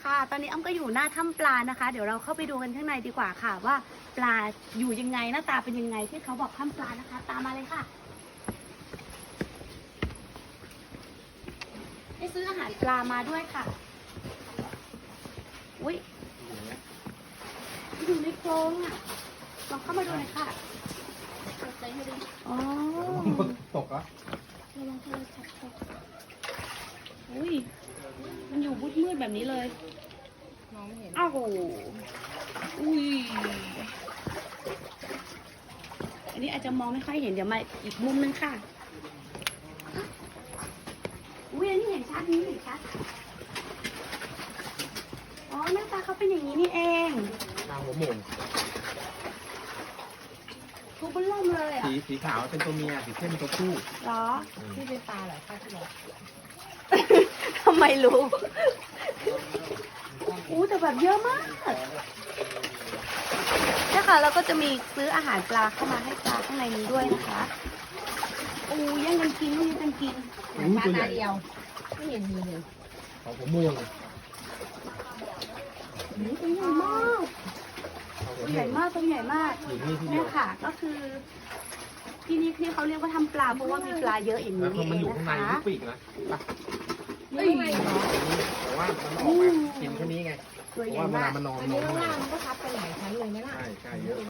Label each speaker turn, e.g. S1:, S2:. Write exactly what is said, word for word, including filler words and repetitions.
S1: ค่ะ ตอนนี้อ้ำก็อยู่หน้าถ้ำปลานะคะ เดี๋ยวเราเข้าไปดูกันข้างในดีกว่าค่ะ ว่าปลาอยู่ยังไงหน้าตาเป็นยังไงที่เขาบอกถ้ำปลานะคะ ตามมาเลยค่ะได้ซื้ออาหารปลามาด้วยค่ะอุ้ยอยู่ในโครงอ่ะลองเข้ามาดูหน่อยค่ะอ๋อ
S2: ตกอ่ะ
S1: ระวังโทรศัพท์ตกอุ้ยมันอยู่มืดมืดๆแบบนี้เลยมองไม่เห็นอ้าวโหอุ้ยอันนี้อาจจะมองไม่ค่อยเห็นเดี๋ยวมาอีกมุมนึงค่ะอุ้ยอันนี้เห็นชัดนี้เห็นชัดอ๋อหน้าตาเขาเป็นอย่างนี้นี่เอง
S2: ทางหัวหมู
S1: ทุกเริ่มเลยอ่ะ
S2: สีสีขาวเป็นตัวเมียสีเข้มเป็นตัวผู้
S1: เหรอ
S3: ที่เป็นปลาเหรอคะที่บอก
S1: ทำไมรู้อู้แต่แบบเยอะมากนี่ค่ะแล้วก็จะมีซื้ออาหารปลาเข้ามาให้ปลาข้างในนี้ด้วยนะคะอู้แย่งกันกินแย่งกันกิน
S3: ปลาตาเดียวไม่เห็นมีเลย
S2: ของหัวหมู
S1: นี่ตัวใหญ่มาก
S2: ของหั
S1: ตัว ว
S2: ห
S1: ใหญ่
S2: มู
S1: มากตัวใหญ่มาก
S2: อยู่นี่ที่เดี
S1: เนี่ย
S2: วย
S1: ค่ะ ก็คือ ที่นี่ที่เขาเรียกว่าทำปลาเพราะว่ามีปลาเยอะอย่าง
S2: แล้ว
S1: นี้
S2: พอ
S1: นี่
S2: มัน
S1: เอ
S2: อยู่
S1: ง
S2: ข้าง
S1: นะ
S2: ใน
S1: คะ
S2: ที่ปีกนะปะ
S1: เฮ้ย
S2: แต่ว่ามันออกมากินแค่นี้ไง
S1: ตัว
S2: เพ
S1: ให
S2: ราะ
S1: ญ่
S2: ว่าเว
S1: มา
S2: ลาก มันนอน
S3: อัน
S2: นอ
S3: นี้
S2: น
S3: ข้างล่างมันก็ทับไปหลายชั้นเลยไหมล่ะ
S2: ใช่ใช่เยอะ